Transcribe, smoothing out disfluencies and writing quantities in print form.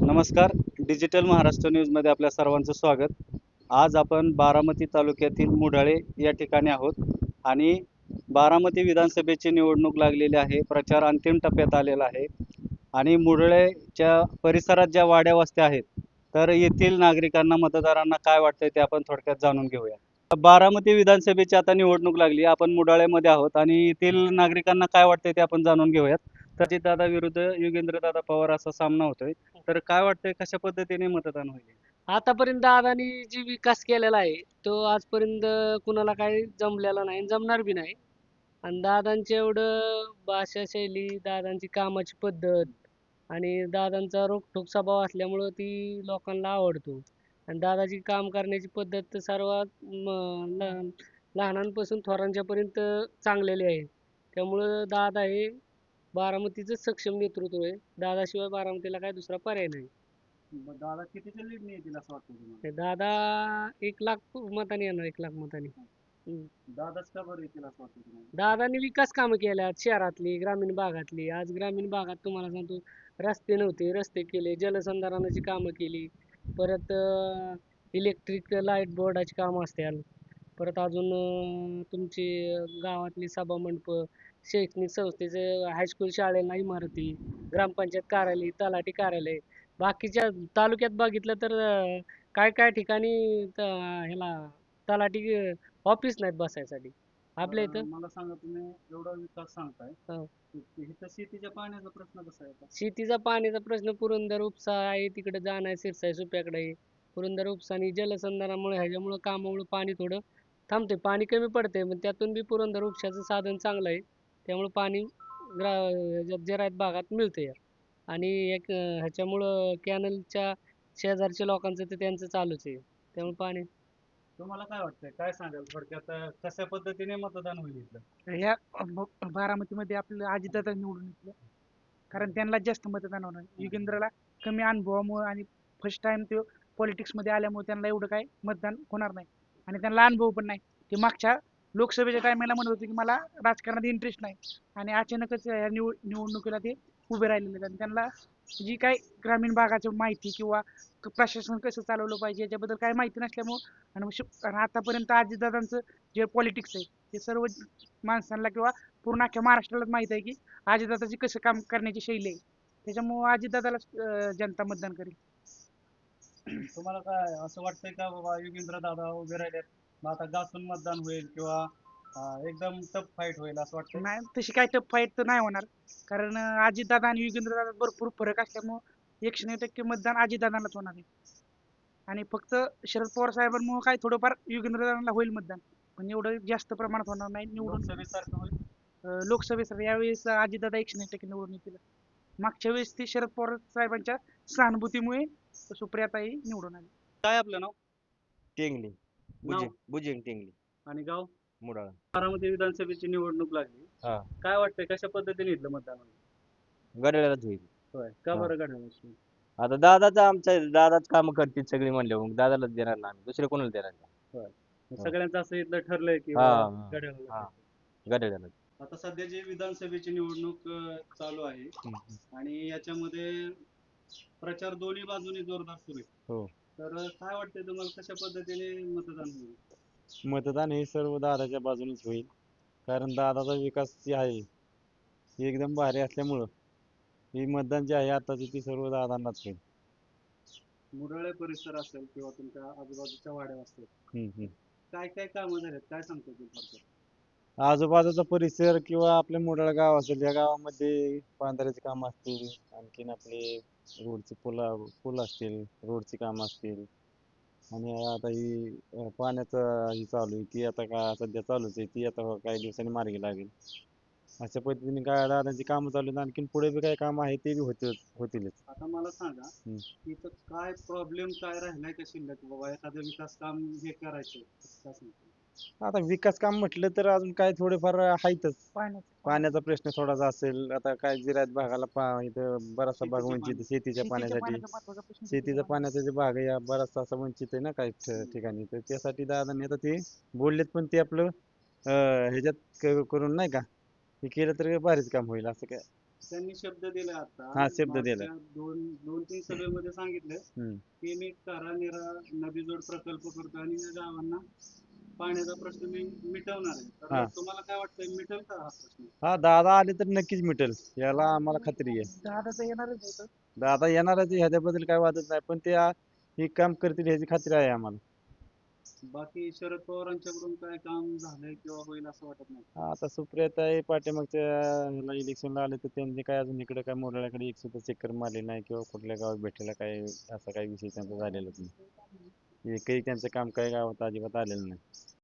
नमस्कार. डिजिटल महाराष्ट्र न्यूजमध्ये आपल्या सर्वांचं स्वागत. आज आपण बारामती तालुक्यातील मुढाळे या ठिकाणी आहोत आणि बारामती विधानसभेची निवडणूक लागलेली आहे. प्रचार अंतिम टप्प्यात आलेला आहे आणि मुढळेच्या परिसरात ज्या वाड्या वस्त्या आहेत, तर येथील नागरिकांना, मतदारांना काय वाटतंय ते आपण थोडक्यात जाणून घेऊया. बारामती विधानसभेची आता निवडणूक लागली. आपण मुढाळेमध्ये आहोत आणि येथील नागरिकांना काय वाटतंय ते आपण जाणून घेऊयात. दादा विरुद्ध योगेंद्रदादा पवार असा सामना होतोय. तर काय वाटतंय, कशा पद्धतीने मतदान होईल? आतापर्यंत दादानी जी विकास केलेला आहे तो आजपर्यंत कुणाला काही जमलेला नाही, जमणार बी नाही. आणि दादांची एवढं भाषा शैली, दादांची कामाची पद्धत आणि दादांचा रोखठोक स्वभाव असल्यामुळं ती लोकांना आवडतो. आणि दादाची काम करण्याची पद्धत तर सर्वात लहानांपासून थोरांच्यापर्यंत चांगलेली आहे. त्यामुळं दादा हे बारामतीचं सक्षम नेतृत्व आहे. दादाशिवाय बारामतीला काय दुसरा पर्याय नाही. दादा कितीच्या लीडने येतील असं वाटतं तुम्हाला? हे दादा 1,00,000 मतांनी येणार, 1,00,000 मतांनी. दादाच का बरं येतील असं वाटतं तुम्हाला? दादांनी विकास कामं केल्यात शहरातली, ग्रामीण भागातली. आज ग्रामीण भागात तुम्हाला सांगतो, रस्ते नव्हते, रस्ते केले, जलसंधारणाची कामं केली. परत इलेक्ट्रिक लाईट बोर्डाची कामं असतील. परत अजून तुमची गावातली सभा मंडपं, शैक्षणिक संस्थेचे, हायस्कूल शाळेला इमारती, ग्रामपंचायत कार्यालय, तलाठी कार्यालय. बाकीच्या तालुक्यात बघितलं तर काय काय ठिकाणी ह्याला तलाठी ऑफिस नाहीत बसायसाठी. आपल्या इथं मला सांगा, तुम्ही एवढा विकास सांगताय, हो. इथं शेतीच्या पाण्याचा प्रश्न कसा आहे आता? शेतीचा पाण्याचा प्रश्न पुरंदर उपसा आहे, तिकडे जाणं आहे, सिरसाई सुप्याकडे आहे. पुरंदर उपसा आणि जलसंधारणामुळे ह्याच्यामुळे कामामुळे पाणी थोडं थांबते, पाणी कमी पडते. पण त्यातून बी पुरंदर उपशाचं साधन चांगलं आहे. त्यामुळे पाणी ह्याच्यात भागात मिळते. आणि एक ह्याच्यामुळं कॅनलच्या शेजारच्या लोकांचं तर त्यांचं चालूच आहे. त्यामुळे पाणी तुम्हाला काय वाटतंय, काय सांगाल थोडक्यात, कशा पद्धतीने मतदान होईल इथलं? ह्या बारामतीमध्ये आपलं अजितदादा निवडून येतील. कारण त्यांना जास्त मतदान होणार. युगेंद्रला कमी अनुभवामुळे आणि फर्स्ट टाइम ते पॉलिटिक्समध्ये आल्यामुळे त्यांना एवढं काय मतदान होणार नाही. आणि त्यांना अनुभव पण नाही. ते मागच्या लोकसभेच्या टायमाला म्हणत होते की मला राजकारणात इंटरेस्ट नाही. आणि अचानकच या निवडणुकीला ते उभे राहिलेले आहेत. आणि त्यांना जी काय ग्रामीण भागाची माहिती किंवा प्रशासन कसं चालवलं पाहिजे याच्याबद्दल काही माहिती नसल्यामुळं आणि आतापर्यंत अजितदादांचं जे पॉलिटिक्स आहे ते सर्व माणसांना किंवा पूर्ण अख्ख्या महाराष्ट्रालाच माहित आहे की अजितदादाची कसं काम करण्याची शैली आहे. त्याच्यामुळे अजितदादाला जनता मतदान करेल. तुम्हाला काय असं वाटतंय का बाबा, योगेंद्र दादा उभे राहिलेत, मग आता घासून मतदान होईल किंवा एकदम टफ फाईट होईल असं वाटतंय? नाही तशी काही टफ फाईट तर नाही होणार. कारण अजितदादा आणि युगेंद्रदादा भरपूर फरक असल्यामुळे 109% मतदान अजितदादांनाच होणार आहे. आणि फक्त शरद पवार साहेबांमुळे काय थोडंफार युगेंद्रदादांना होईल मतदान. पण एवढं जास्त प्रमाणात होणार नाही निवडून. लोकसभेसारखं होईल? लोकसभेसाठी यावेळेस अजितदादा 109% निवडून येतील. मागच्या वेळेस ते शरद पवार साहेबांच्या सहानुभूतीमुळे सुप्रियाताई निवडून आली. काय आपलं नाव? टेंगली नाव बुजिंग बुजिंग टेंगली आणि गाव? मुडाळा. बारामती विधानसभेची निवडणूक लागली. हा, काय वाटतंय, कशा पद्धतीने इथलं मतदान होईल? गडाळ्यालाच होईल. होय, का हा. बरं घड्याळ? आता दादाचा आमच्या दादाच काम करतील सगळी म्हणले, मग दादालाच देणार ना आम्ही, दुसरे कोणाला देणार नाही. होय, सगळ्यांचं असं इथलं ठरलंय की हा, बाबा हा. घड्याळाला हा. टाकायचं. गडाळ्यालाच. आता सध्या जी विधानसभेची निवडणूक चालू आहे आणि याच्यामध्ये प्रचार दोन्ही बाजूनी जोरदार सुरू आहे. हो. तर काय वाटतंय तुम्हाला, कशा पद्धतीने मतदान होईल? मतदान हे सर्व दादाच्या बाजूनेच होईल, कारण दादाचा विकास जे आहे हे एकदम भारी असल्यामुळं हे मतदान जे आहे आताचे ते सर्व दादांनाच होईल. मुरळे परिसर असेल किंवा तुमच्या आजूबाजूच्या वाड्या असतील, हम्म. काय काय कामं झालेत, काय सांगतो तुम्ही थोडक्यात? आजूबाजूचा परिसर किंवा आपल्या मोडाळ गाव असेल, या गावामध्ये बांधाऱ्याचे काम असतील, आणखीन आपले रोडचे पूल असतील, रोडची काम असतील. आणि आता ही पाण्याचं ही चालू आहे ती आता काय सध्या चालूच आहे, ती आता काही दिवसांनी मार्गी लागेल. अशा पद्धतीने काय दादांची कामं चालू आहेत. आणखीन पुढे बी काही काम आहे ते बी होतीलच. आता मला सांगा, इथं काय प्रॉब्लेम काय राहिलाय का शिल्लक, बाबा एखादं विकास काम हे करायचं, काय सांगतो? आता विकास काम म्हटलं तर अजून काय थोडेफार आहेतच. पाण्याचा प्रश्न थोडासा असेल. आता काय जिरायत भागाला इथं बराचसा भाग शेतीचं वंचित पाणी. आहे शेतीच्या पाण्यासाठी. महत्त्वाचा प्रश्न शेतीचा पाण्याचा जे भाग आहे हा बराचसा असा वंचित आहे ना काही ठिकाणी, तर त्यासाठी दादांनी आता ते बोललेत, पण ते आपलं ह्याच्यात करून नाही का हे केलं तर भारीच काम होईल असं काय. त्यांनी शब्द दिला आता हा, शब्द दिलाय. मागच्या दोन तीन सभेमध्ये सांगितलं हम्म. की मी निरा नदीजोड प्रकल्प करतो आणि या गावांना पाण्याचा प्रश्न मी मिटवणार आहे. हा. तर तुम्हाला काय वाटतंय, मिटेल का हा प्रश्न? हा, दादा आले तर नक्कीच मिटेल, याला आम्हाला खात्री आहे. दादा तर येणारच आहे इथं. दादा येणारच आहे, ह्याच्याबद्दल काय वादच नाही, पण ते हे काम करतील ह्याची खात्री आहे आम्हाला. बाकी शरद पवारांच्याकडून काय काम झालंय किंवा होईल असं वाटत नाही? आता सुप्रियाताई पाठीमागच्या ह्याला इलेक्शनला आले तर त्यांनी काय अजून इकडे काय मोराळ्याकडे एक सुद्धा चक्कर मारली नाही किंवा कुठल्या गावात भेटायला काय असा काही विषय त्यांचा झालेलाच नाही. एकही त्यांचं काम काही गावात अजिबात आलेलं नाही.